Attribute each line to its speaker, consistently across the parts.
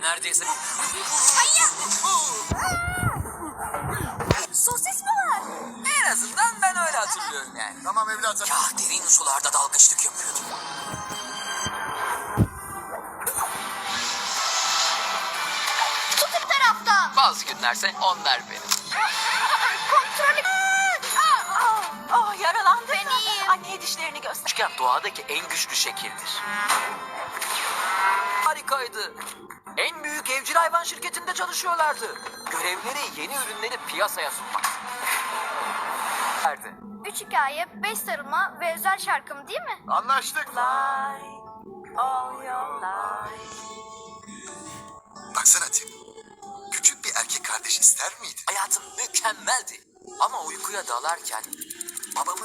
Speaker 1: neredeyse...
Speaker 2: Hayır. Sosis mi var?
Speaker 1: En azından ben öyle hatırlıyorum yani.
Speaker 3: Tamam evladım.
Speaker 1: Ya derin sularda dalgıçlık yapıyordum.
Speaker 2: Tut bir taraftan.
Speaker 1: Bazı günlerse onlar benim.
Speaker 2: Kontrolü.
Speaker 4: Yaralandı.
Speaker 2: Ben iyiyim.
Speaker 4: Anneye dişlerini göster.
Speaker 1: Küçükken doğadaki en güçlü şekildir. Harikaydı. En büyük evcil hayvan şirketinde çalışıyorlardı. Görevleri yeni ürünleri piyasaya sunmak.
Speaker 2: 3 hikaye, 5 sarılma ve özel şarkım değil mi?
Speaker 3: Anlaştık.
Speaker 4: Fly all your life.
Speaker 3: Baksana Tim. Küçük bir erkek kardeş ister miydin?
Speaker 1: Hayatım mükemmeldi. Ama uykuya dalarken babamın...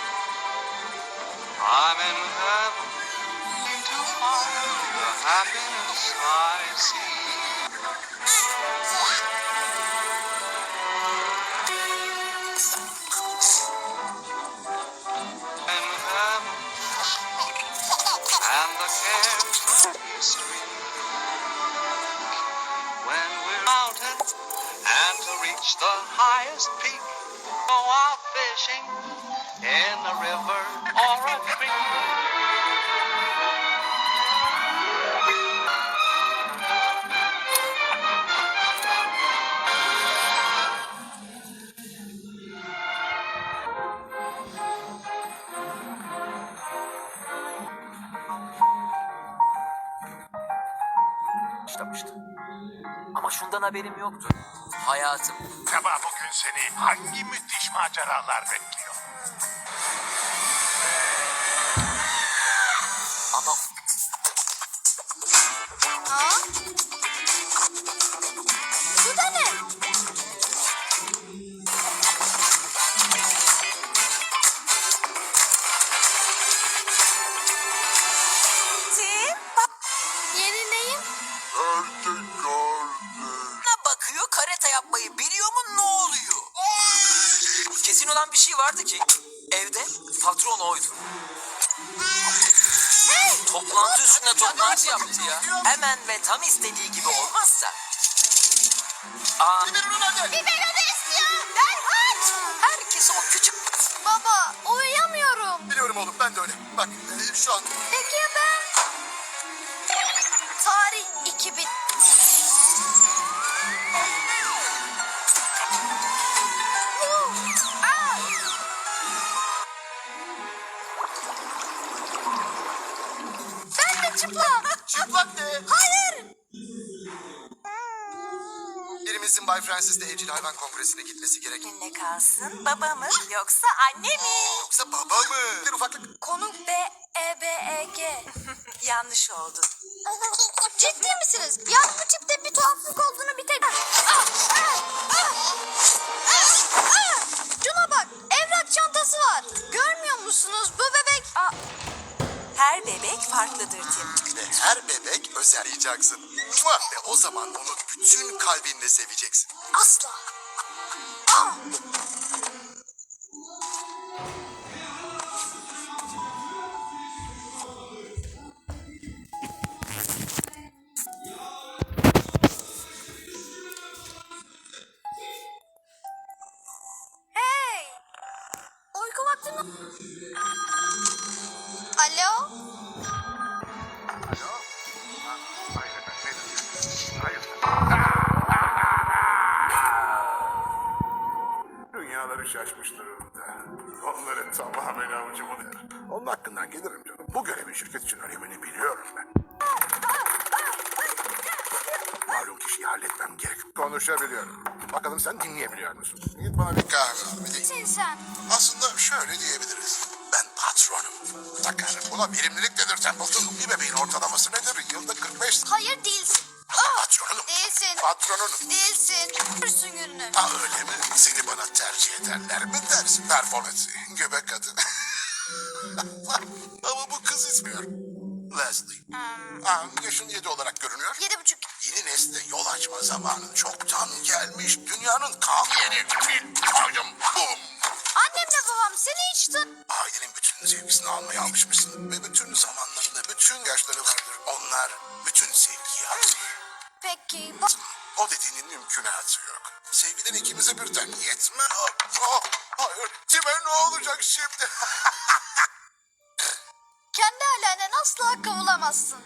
Speaker 5: I'm in heaven to find the happiness I see. In heaven, and the cares of history. When we're mountain and to reach the highest peak, go out fishing in a river or a creek.
Speaker 1: başlamıştı. Ama şundan haberim yoktu. Hayatım
Speaker 6: Acaba bugün seni hangi müthiş maceralar bekliyor?
Speaker 1: ama
Speaker 2: Ha? Bu da ne?
Speaker 4: Tim,
Speaker 2: Yeni neyim?
Speaker 1: ne bakıyor, karate yapmayı biliyor mu, ne oluyor? Kesin olan bir şey vardı ki evde patron oydu. Toplantı üstüne toplantı yaptı ya. Hemen ve tam istediği gibi olmazsa.
Speaker 2: Biberonu istiyor. Derhal.
Speaker 1: Herkes o küçük...
Speaker 2: Baba uyuyamıyorum.
Speaker 3: Biliyorum oğlum ben de öyle. Bak şu an
Speaker 2: Peki ya ben? Tarih 2000. Ben de çıplak.
Speaker 3: çıplak ne?
Speaker 2: Hayır.
Speaker 3: Birimizin Bay Francis'le evcil hayvan kongresine gitmesi gerek.
Speaker 4: ne kalsın? Baba mı yoksa anne mi?
Speaker 3: Yoksa baba mı? Bir ufaklık.
Speaker 2: Konu B-E-B-E-G.
Speaker 4: Yanlış oldu.
Speaker 2: Ciddi misiniz? Yani bu tipte bir tuhaflık olduğunu bir tek... Şuna bak, evrak çantası var. Görmüyor musunuz? Bu bebek...
Speaker 4: Her bebek farklıdır Tim.
Speaker 3: Ve her bebek özelleyeceksin. Ve o zaman onu bütün kalbinle seveceksin.
Speaker 2: Asla. Hey! Uyku vakti mi? Alo?
Speaker 6: Dünyaları şaşmış durumda. Onları tamamen avucumun yer. Onun hakkından gelirim canım. Bu görevin şirket için önemini biliyorum ben. Malum kişiyi halletmem gerek. Konuşabiliyorum. Bakalım sen dinleyebiliyor musun? Git bana bir kahve al. Bir de-
Speaker 2: Sen.
Speaker 3: Aslında şöyle diyebiliriz. Ben patronum. Takarım. Buna verimlilik denir Templeton. Bir bebeğin ortalaması nedir? Yılda 45.
Speaker 2: Hayır değilsin.
Speaker 3: Patronum.
Speaker 2: Değilsin.
Speaker 3: Patronunum.
Speaker 2: Değilsin. Ürsün gününü.
Speaker 3: Ha öyle mi? Seni bana tercih ederler mi dersin? Performans. Göbek kadın. Ama bu kız ismiyor. Leslie. Yaşın 7 olarak görünüyor.
Speaker 2: 7,5.
Speaker 3: Yeni nesle yol açma zamanın çoktan gelmiş. Dünyanın kan yeni fil. Koydum. Bum.
Speaker 2: Annemle babam seni hiç
Speaker 3: Ailenin bütün sevgisini almaya alışmışsın. Ve bütün zamanlarında bütün yaşları vardır. Onlar bütün sevgiyi alır.
Speaker 2: peki?
Speaker 3: O dediğinin mümkünatı yok. Sevgiden ikimize birden yetmez. Hayır, Tim'e ne olacak şimdi?
Speaker 2: Kendi ailenin asla kavulamazsın.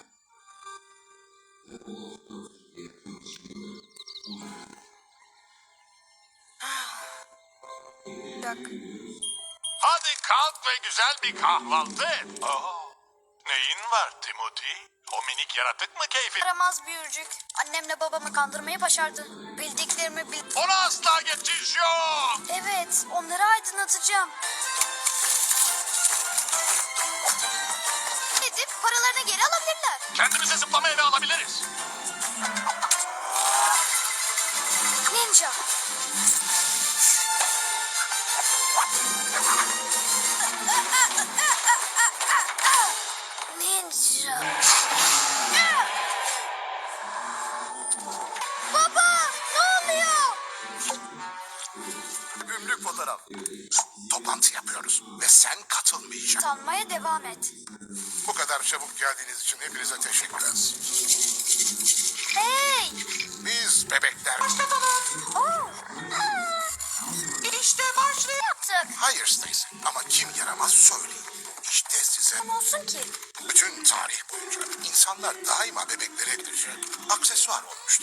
Speaker 2: Bak.
Speaker 6: Hadi kalk ve güzel bir kahvaltı et. Neyin var Timothy? O minik yaratık mı keyfi?
Speaker 2: Yaramaz büyücük. Annemle babamı kandırmayı başardı. Bildiklerimi bil...
Speaker 6: Ona asla geçiş yok.
Speaker 2: Evet, onları aydınlatacağım. Edip paralarını geri alabilirler.
Speaker 6: Kendimize zıplama evi alabiliriz.
Speaker 2: Ninja. Ninja. Baba, ne oluyor?
Speaker 3: Gümrük fotoğraf. Toplantı yapıyoruz ve sen katılmayacaksın.
Speaker 2: Sanmaya devam et.
Speaker 3: Bu kadar çabuk geldiğiniz için hepinize teşekkürler.
Speaker 2: Hey!
Speaker 3: Biz bebekler...
Speaker 2: Oh!
Speaker 4: İşte başlıyor.
Speaker 2: Yaptık.
Speaker 3: Hayır Stacy ama kim yaramaz söyleyin. İşte size
Speaker 2: Ne olsun ki?
Speaker 3: bütün tarih boyunca insanlar daima bebekleri edilecek aksesuar olmuştu.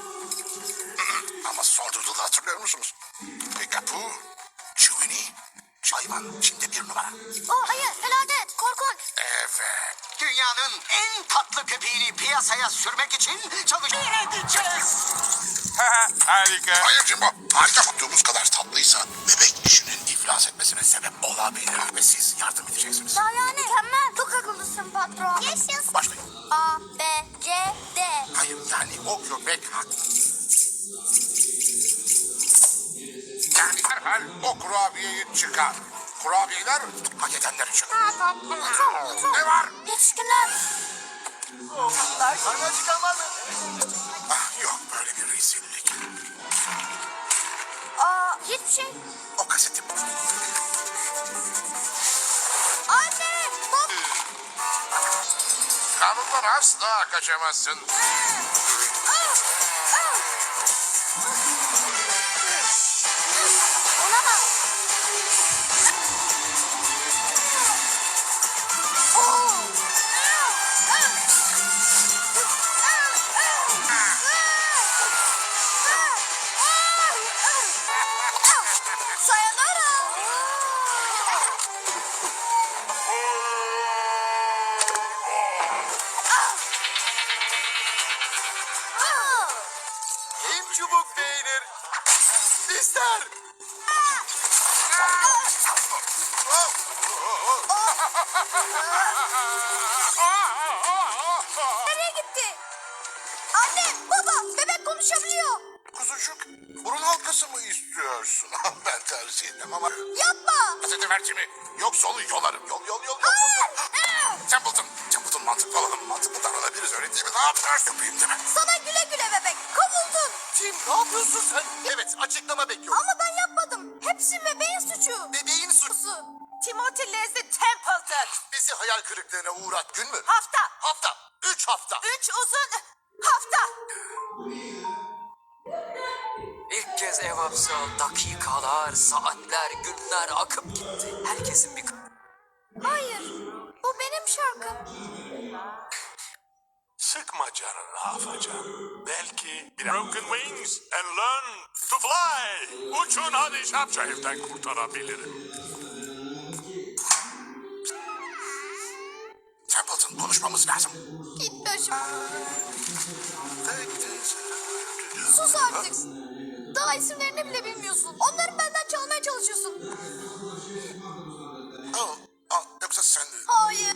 Speaker 3: Ama son Doodle'ı hatırlıyor musunuz? Pikapu, Chewini, hayvan şimdi bir numara.
Speaker 2: Oh hayır, felaket, korkunç.
Speaker 3: Evet.
Speaker 1: Dünyanın en tatlı köpeğini piyasaya sürmek için edeceğiz.
Speaker 6: Harika.
Speaker 3: Hayır Jimbo. Harika tuttuğumuz kadar tatlıysa bebek işinin iflas etmesine sebep olabilir ve siz yardım edeceksiniz.
Speaker 2: Daha yani. Mükemmel. Çok akıllısın patron. Yaşasın.
Speaker 3: Başlayın.
Speaker 2: A, B, C, D.
Speaker 3: Hayır yani o köpek yani herhal o kurabiyeyi çıkar. Kurabiyeler hak edenler için. Ne var?
Speaker 2: Yetişkinler.
Speaker 1: Sana çıkamaz.
Speaker 3: Ah, yok böyle bir rezillik.
Speaker 2: Aa, hiçbir şey.
Speaker 3: O kaseti
Speaker 2: Anne, bak.
Speaker 3: kanundan asla kaçamazsın.
Speaker 2: Olamaz. Oo. Sayonara.
Speaker 1: Kim çubuk beğenir? İster.
Speaker 2: Nereye gitti? Anne, baba, bebek konuşabiliyor.
Speaker 3: Kuzucuk burun halkası mı istiyorsun? Ben tercih etmem ama...
Speaker 2: Yapma.
Speaker 3: Kaseti ver Jimmy. Yoksa onu yolarım. Yol. Templeton mantıklı olalım. Mantıklı davranabiliriz öyle değil mi? Ne yapıyorsun yapayım değil mi?
Speaker 2: Sana güle güle bebek. Kovuldun.
Speaker 1: Tim ne yapıyorsun sen? Evet açıklama bekliyorum.
Speaker 2: Ama ben yapmadım. Hepsi bebeğin suçu.
Speaker 1: Bebeğin suçu.
Speaker 4: Timothy Leslie Templeton.
Speaker 3: Bizi hayal kırıklığına uğrat gün mü?
Speaker 4: Hafta.
Speaker 3: 3 hafta.
Speaker 4: 3 uzun hafta.
Speaker 1: İlk kez Evans'a dakikalar, saatler, günler akıp gitti. Herkesin bir...
Speaker 2: Hayır. Bu benim şarkım.
Speaker 6: Sıkma canını Afacan. Belki bir Broken Wings and Learn to Fly. Uçun hadi Şapşayır'dan kurtarabilirim.
Speaker 3: Templeton konuşmamız lazım.
Speaker 2: Git başım. Sus artık. Daha isimlerini bile bilmiyorsun. Onları benden çalmaya çalışıyorsun.
Speaker 3: Yoksa sen...
Speaker 2: Hayır.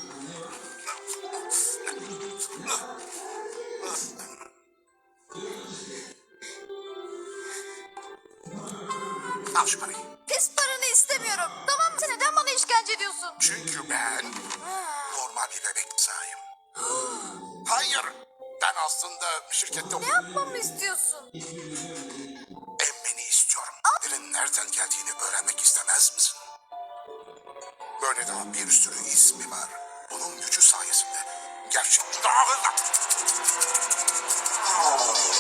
Speaker 3: Al şu parayı.
Speaker 2: Pis paranı istemiyorum. Tamam mı? Sen neden bana işkence ediyorsun?
Speaker 3: Çünkü ben normal bir bebek sahibim. Hayır. Ben aslında şirkette
Speaker 2: Ne yapmamı istiyorsun?
Speaker 3: emmeni istiyorum. Birinin nereden geldiğini öğrenmek istemez misin? Böyle daha bir sürü ismi var. Bunun gücü sayesinde gerçek daha hızlı.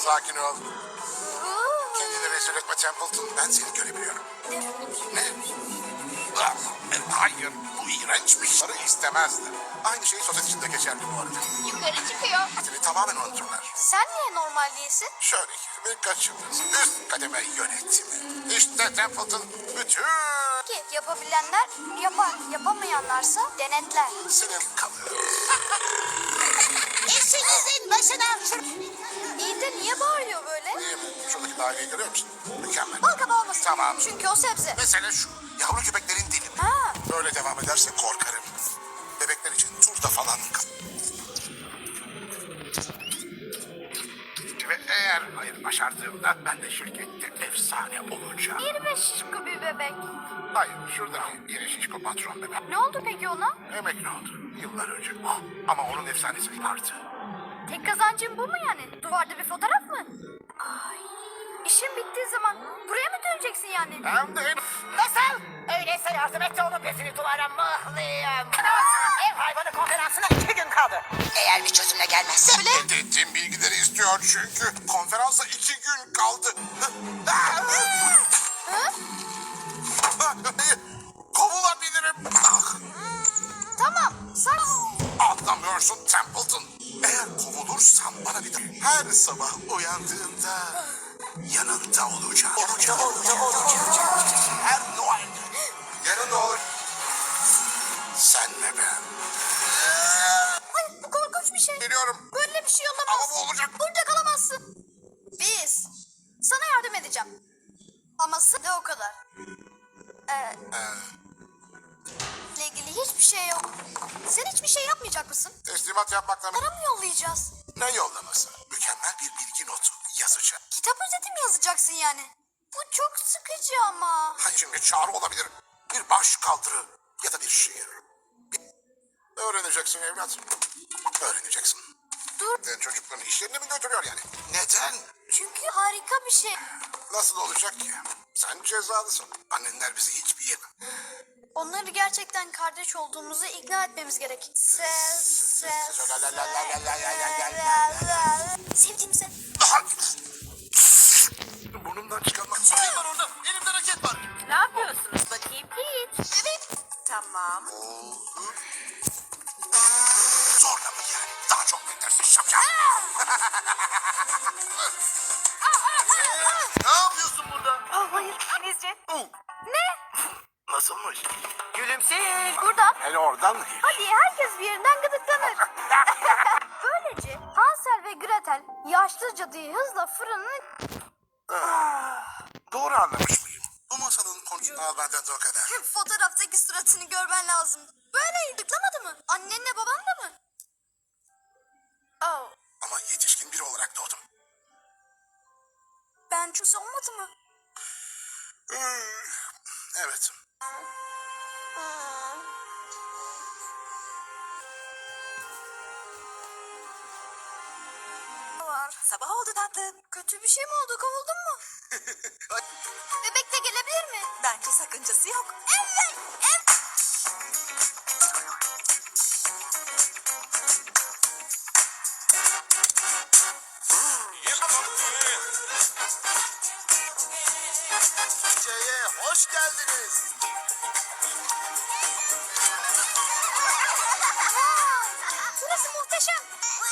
Speaker 3: sakin ol. Kendini rezil etme Templeton. Ben seni görebiliyorum. Ne? Ah, hayır, bu iğrençmiş. Sarı istemezdi. Aynı şey sosis için de geçerli bu arada.
Speaker 2: Yukarı çıkıyor.
Speaker 3: Seni tamamen unuturlar.
Speaker 2: Sen niye normal değilsin?
Speaker 3: Şöyle ki birkaç yıldız. Üst kademe yönetimi. İşte Templeton bütün
Speaker 2: Ki yapabilenler yapar, yapamayanlarsa denetler.
Speaker 3: senin kalır.
Speaker 2: İşinizin başına. İyi de niye bağırıyor böyle?
Speaker 3: Değil mi? Şuradaki daireyi görüyor musun? Mükemmel.
Speaker 2: Balkaba olmasın.
Speaker 3: Tamam.
Speaker 2: Çünkü o sebze.
Speaker 3: Mesele şu. Yavru köpeklerin dili.
Speaker 2: Ha.
Speaker 3: Böyle devam ederse korkarım. Bebekler için turda falan kal. Ve eğer hayır başardığımda ben de şirkette efsane olacağım.
Speaker 2: 25 şişko bir bebek.
Speaker 3: Hayır şuradaki yeni şişko patron bebek.
Speaker 2: Ne oldu peki ona?
Speaker 3: Emekli oldu yıllar önce. Ah, ama onun efsanesi vardı.
Speaker 2: Tek kazancın bu mu yani? Duvarda bir fotoğraf mı? Ay. İşin bittiği zaman buraya mı döneceksin yani?
Speaker 3: Hem de
Speaker 4: Nasıl? Öyleyse yardım et de onun bezini duvara mıhlayayım. Ev hayvanı konferansına 2 gün kaldı. Eğer bir çözümle gelmezse...
Speaker 3: dediğim bilgileri istiyor çünkü. Konferansa 2 gün kaldı. Kovulabilirim. Ah,
Speaker 2: Tamam. Sen...
Speaker 3: anlamıyorsun Templeton. Eğer kovulursam bana bir de her sabah uyandığında yanında olacağım. Her Noel yanında olur. Sen ve ben.
Speaker 2: Ay bu korkunç bir şey.
Speaker 3: Biliyorum
Speaker 2: Böyle bir şey olamaz.
Speaker 3: ama bu olacak.
Speaker 2: Burada kalamazsın. Biz. Sana yardım edeceğim. Ama de o kadar. ile ilgili hiçbir şey yok. Sen hiçbir şey yapmayacak mısın?
Speaker 3: Teslimat yapmakla
Speaker 2: Para mı yollayacağız?
Speaker 3: ne yollaması? Mükemmel bir bilgi notu yazacağım.
Speaker 2: Kitap özeti mi yazacaksın yani? Bu çok sıkıcı ama.
Speaker 3: Hayır şimdi çağrı olabilir. Bir baş kaldırı ya da bir şiir. Öğreneceksin evlat. Öğreneceksin.
Speaker 2: Dur.
Speaker 3: Sen çocukların işlerini mi götürüyor yani? Neden?
Speaker 2: Çünkü harika bir şey.
Speaker 3: Nasıl olacak ki? Sen cezalısın. Annenler bizi hiçbir yere...
Speaker 2: Onları gerçekten kardeş olduğumuzu ikna etmemiz gerek. Sevdiğimize.
Speaker 3: Burnumdan çıkanlar.
Speaker 1: Kim var orada? Elimde raket var.
Speaker 4: Ne yapıyorsunuz bakayım?
Speaker 2: Hiç. Evet.
Speaker 4: Tamam.
Speaker 3: Zorla mı yani? Daha çok beklersin şapşal.
Speaker 1: Ne yapıyorsun burada?
Speaker 4: Hayır. Denizci.
Speaker 2: Ne?
Speaker 3: Nasılmış?
Speaker 4: Gülümseyin.
Speaker 2: Buradan.
Speaker 3: Hele oradan
Speaker 2: Hadi herkes bir yerinden gıdıklanır. Böylece Hansel ve Gretel yaşlı cadıyı hızla fırının...
Speaker 3: Doğru anlamış mıyım? Bu masalın konusu al benden de o kadar.
Speaker 2: Fotoğraftaki suratını görmen lazım. Böyle gıdıklamadı mı? Annenle baban da mı? Oh.
Speaker 3: Ama yetişkin biri olarak doğdum.
Speaker 2: Ben kimse olmadı mı?
Speaker 3: Evet.
Speaker 2: Var.
Speaker 4: Sabah oldu tatlım.
Speaker 2: Kötü bir şey mi oldu? Kovuldun mu? Bebek de gelebilir mi?
Speaker 4: Bence sakıncası yok.
Speaker 2: Evet. Evet.
Speaker 1: Hoş geldiniz.
Speaker 2: Burası muhteşem.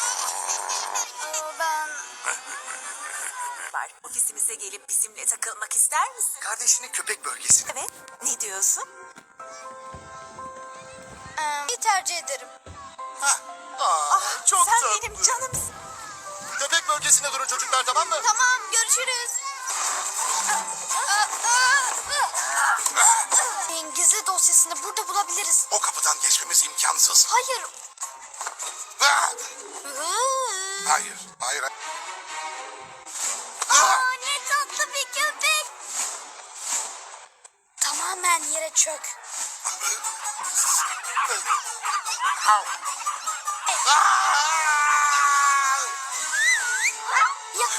Speaker 2: Ben...
Speaker 4: Var. Ofisimize gelip bizimle takılmak ister misin?
Speaker 1: Kardeşinin köpek bölgesine.
Speaker 4: Evet. Ne diyorsun?
Speaker 2: iyi tercih ederim.
Speaker 1: Çok
Speaker 4: Sen
Speaker 1: tatlı.
Speaker 4: benim canımsın.
Speaker 1: Köpek bölgesine durun çocuklar, tamam mı?
Speaker 2: Tamam, görüşürüz. Gizli dosyasını burada bulabiliriz.
Speaker 3: O kapıdan geçmemiz imkansız.
Speaker 2: Hayır.
Speaker 3: Ah! Hayır, hayır.
Speaker 2: Aa, ne tatlı bir köpek. Tamamen yere çök. Ya.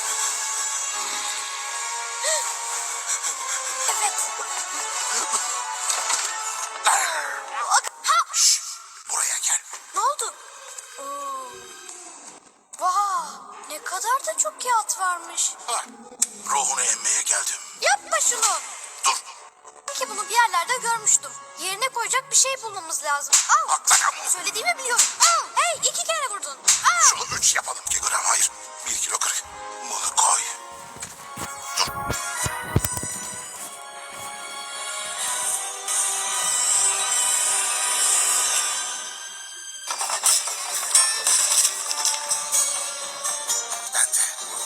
Speaker 2: Evet.
Speaker 3: Şşş, buraya gel.
Speaker 2: Ne oldu? Vay, ne kadar da çok yağ at varmış.
Speaker 3: Ha, ruhunu emmeye geldim.
Speaker 2: Yapma şunu.
Speaker 3: Dur.
Speaker 2: Ki bunu bir yerlerde görmüştüm. Yerine koyacak bir şey bulmamız lazım. Al.
Speaker 3: Atlayalım.
Speaker 2: Söylediğimi biliyorum. Al. Hey 2 kere vurdun. Al.
Speaker 3: Şunu 3 yapalım ki gram hayır. 1 kilo 40. Bunu koy. Dur. Ben de.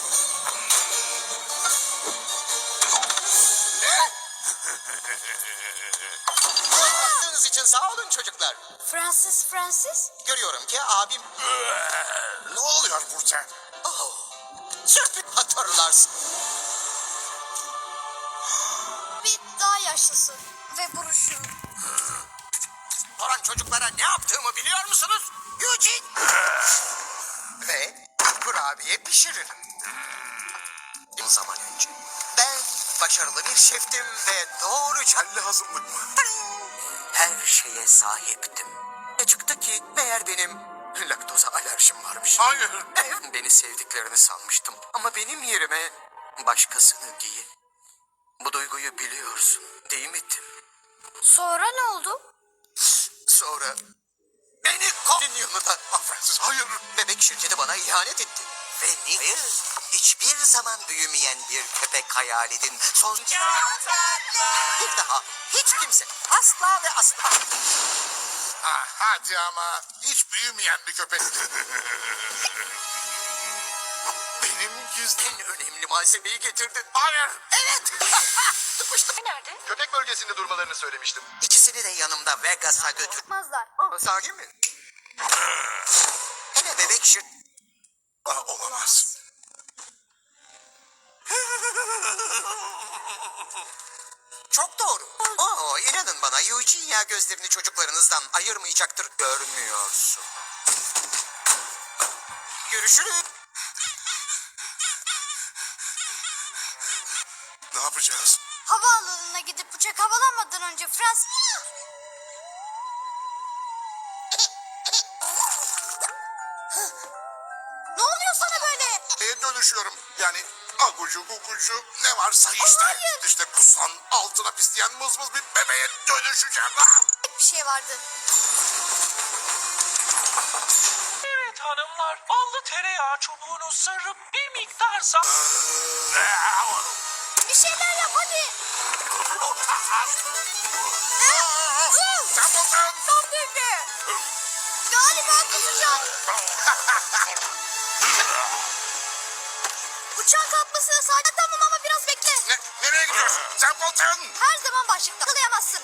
Speaker 7: Anlattığınız için sağ olun çocuklar.
Speaker 2: Francis.
Speaker 7: Görüyorum ki abim
Speaker 3: Ne oluyor Burçak?
Speaker 7: sürpriz hatırlarsın.
Speaker 2: Bir daha yaşlısı. Ve buruşu.
Speaker 7: Soran çocuklara ne yaptığımı biliyor musunuz? Eugene. Ve kurabiye pişiririm. Bir zaman önce ben başarılı bir şeftim ve doğruca
Speaker 3: Lazımlık mı?
Speaker 7: her şeye sahiptim. Ne çıktı ki meğer benim laktoza alerjim varmış.
Speaker 3: Hayır.
Speaker 7: Beni sevdiklerini sanmıştım ama benim yerime başkasını değil. Bu duyguyu biliyorsun değil mi Tim?
Speaker 2: Sonra ne oldu?
Speaker 7: Sonra beni kovdun yanına.
Speaker 3: Francis hayır.
Speaker 7: Bebek şirketi bana ihanet etti. Ve hayır, hiçbir zaman büyümeyen bir köpek hayal edin. Son... Bir daha hiç kimse asla ve asla.
Speaker 3: Ha, hadi ama hiç büyümeyen bir köpek. Benim gizlim.
Speaker 7: En önemli malzemeyi getirdin.
Speaker 3: Hayır.
Speaker 7: Evet. Tıpıştım.
Speaker 2: Nerede?
Speaker 7: Köpek bölgesinde durmalarını söylemiştim. İkisini de yanımda Vegas'a götür.
Speaker 2: Yapmazlar.
Speaker 7: Sahi mi? Hele bebek
Speaker 3: Olamaz.
Speaker 7: Çok doğru. İnanın bana Eugenia gözlerini çocuklarınızdan ayırmayacaktır. Görmüyorsun. Görüşürüz.
Speaker 3: Ne yapacağız?
Speaker 2: Havaalanına gidip uçak havalanmadan önce Francis... Ne oluyor sana böyle?
Speaker 3: Dönüşüyorum. Yani agucu gugucu ne varsa işte.
Speaker 2: hayır.
Speaker 3: İşte kusan altına pisleyen mızmız bir bebeğe dönüşeceğim.
Speaker 2: Bir şey vardı.
Speaker 8: Evet hanımlar, ballı tereyağı çubuğunu sarıp bir miktar
Speaker 2: Bir şeyler yap hadi.
Speaker 3: Templeton!
Speaker 2: Tam denge. Galiba kusacağım. Uçağın kalkmasına sadece tamam ama biraz bekle.
Speaker 3: Nereye gidiyorsun? Templeton!
Speaker 2: Her zaman başlıkta kalayamazsın.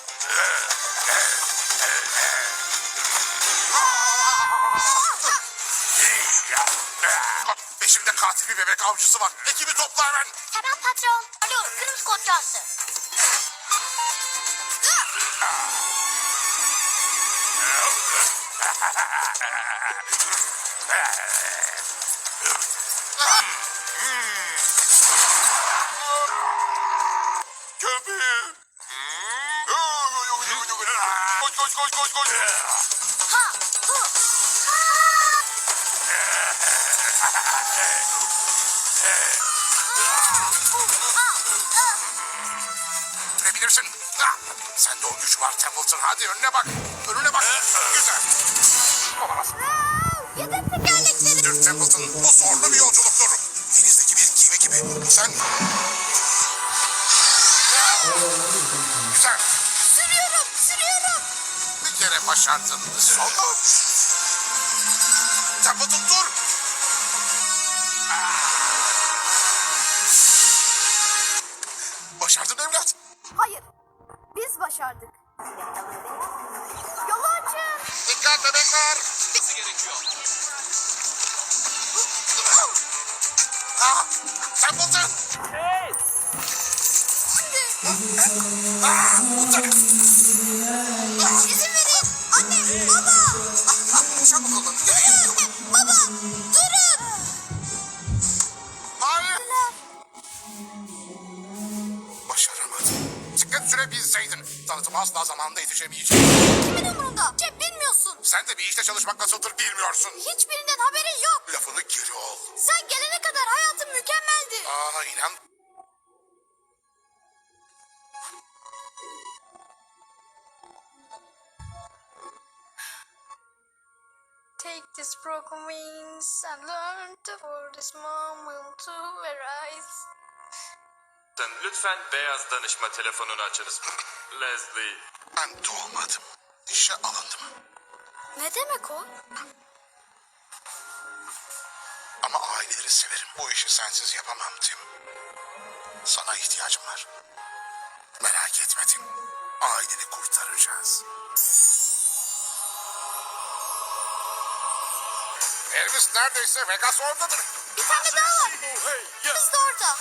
Speaker 3: Peşimde katil bir bebek avcısı var. Ekibi topla hemen.
Speaker 2: Hemen patron. Alo kırmızı kod yazdı.
Speaker 3: Köpeği. Koş koş koş koş koş.
Speaker 2: Ha, hı.
Speaker 3: Görebilirsin. Sende o güç var Templeton. Hadi önüne bak. Önüne bak. Güzel. Olamaz.
Speaker 2: Yedek tekerlekleri.
Speaker 3: Dur Templeton. Bu zorlu bir yolculuktur. Denizdeki bir gemi gibi. Sen... Güzel.
Speaker 2: Sürüyorum.
Speaker 3: Bir kere başardın. Sonra... Templeton dur. Başardın evlat.
Speaker 2: Hayır. Biz başardık. Yolu açın.
Speaker 3: Dikkat bebekler.
Speaker 7: Nasıl gerekiyor?
Speaker 3: Templeton.
Speaker 8: Hey!
Speaker 2: İzin verin. Anne, baba.
Speaker 7: Çabuk olun. Yürüyün.
Speaker 2: Baba, durun.
Speaker 3: Hayır. Başaramadım. Sıkı sürebilseydin. tanıtıma asla zamanında yetişemeyeceğim.
Speaker 2: Kimin umurunda? Cem bilmiyorsun.
Speaker 3: Sen de bir işte çalışmak nasıldır bilmiyorsun.
Speaker 2: Hiçbirinden haberin yok.
Speaker 3: Lafını geri ol.
Speaker 2: Sen gelene kadar hayatım mükemmeldi.
Speaker 3: Aa inan.
Speaker 2: Take these broken wings and learn to for this moment to arise.
Speaker 9: Lütfen beyaz danışma telefonunu açınız. Leslie.
Speaker 3: Ben doğmadım. İşe alındım.
Speaker 2: Ne demek o?
Speaker 3: Ama aileleri severim. Bu işi sensiz yapamam Tim. Sana ihtiyacım var. Merak etme Tim. Aileni kurtaracağız. Elvis neredeyse Vegas oradadır.
Speaker 2: Bir tane daha var. Biz de orada.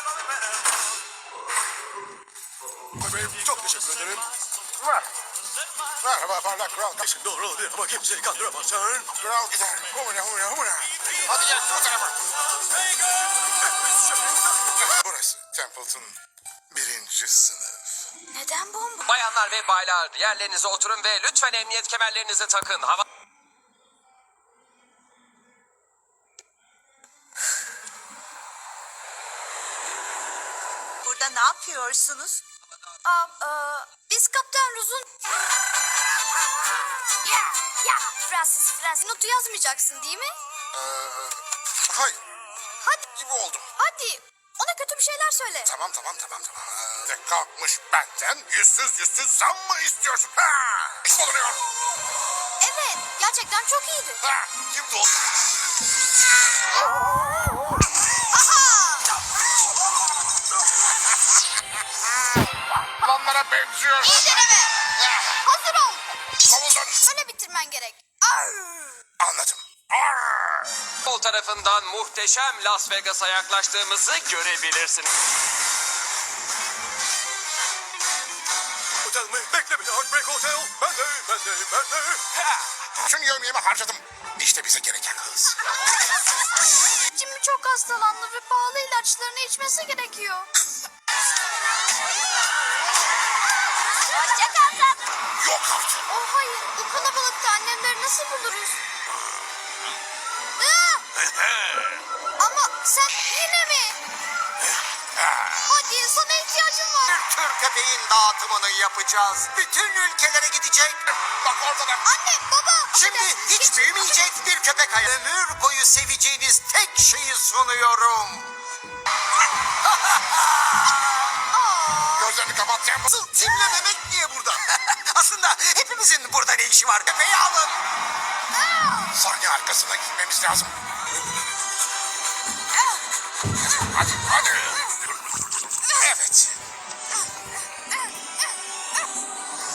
Speaker 3: Çok teşekkür ederim. Merhaba parlak kral.
Speaker 6: Doğru ama kimseyi kandıramazsın.
Speaker 3: Kral gider. Humura humura humura. Hadi gel bu tarafa. Burası Templeton 1. sınıf.
Speaker 2: Neden bomba?
Speaker 1: Bayanlar ve baylar yerlerinize oturun ve lütfen emniyet kemerlerinizi takın. Hava...
Speaker 4: Burada ne yapıyorsunuz?
Speaker 2: Biz Kaptan Ruz'un... Ya, Francis, notu yazmayacaksın değil mi?
Speaker 3: Hayır.
Speaker 2: Hadi,
Speaker 3: Gibi oldum.
Speaker 2: hadi. Ona kötü bir şeyler söyle.
Speaker 3: Tamam. Ne kalkmış benden yüzsüz zam mı istiyorsun? Ha! İş bulunuyor.
Speaker 2: Evet, gerçekten çok iyiydi.
Speaker 3: Ha! Kimdi o? Lanlara benziyor.
Speaker 2: İyi deneme. Hazır ol.
Speaker 3: Savunun.
Speaker 2: Öyle bitirmen gerek.
Speaker 3: Anladım. Arr!
Speaker 1: Sol tarafından muhteşem Las Vegas'a yaklaştığımızı görebilirsiniz.
Speaker 6: Otel mi? Bekle beni Heartbreak Hotel. Ben de.
Speaker 3: Bütün yevmiyemi harcadım. İşte bize gereken hız.
Speaker 2: Jimmy çok hastalandı ve pahalı ilaçlarını içmesi gerekiyor. Hoşça kal tatlım.
Speaker 3: Yok artık.
Speaker 2: Oh hayır, bu kalabalıkta annemleri nasıl buluruz? Ama sen yine mi? Hadi sana ihtiyacım var.
Speaker 7: Bir tür köpeğin dağıtımını yapacağız. Bütün ülkelere gidecek.
Speaker 3: Bak orada da.
Speaker 2: Anne, baba.
Speaker 7: Şimdi
Speaker 2: affedersin,
Speaker 7: hiç
Speaker 2: geçin,
Speaker 7: büyümeyecek bir köpek hayatı. Ömür boyu seveceğiniz tek şeyi sunuyorum.
Speaker 3: Gözlerini kapat Temple.
Speaker 7: Asıl Tim'le Mehmet niye burada? Aslında hepimizin burada ne işi var? Köpeği alın.
Speaker 3: Sahne arkasına gitmemiz lazım. Hadi.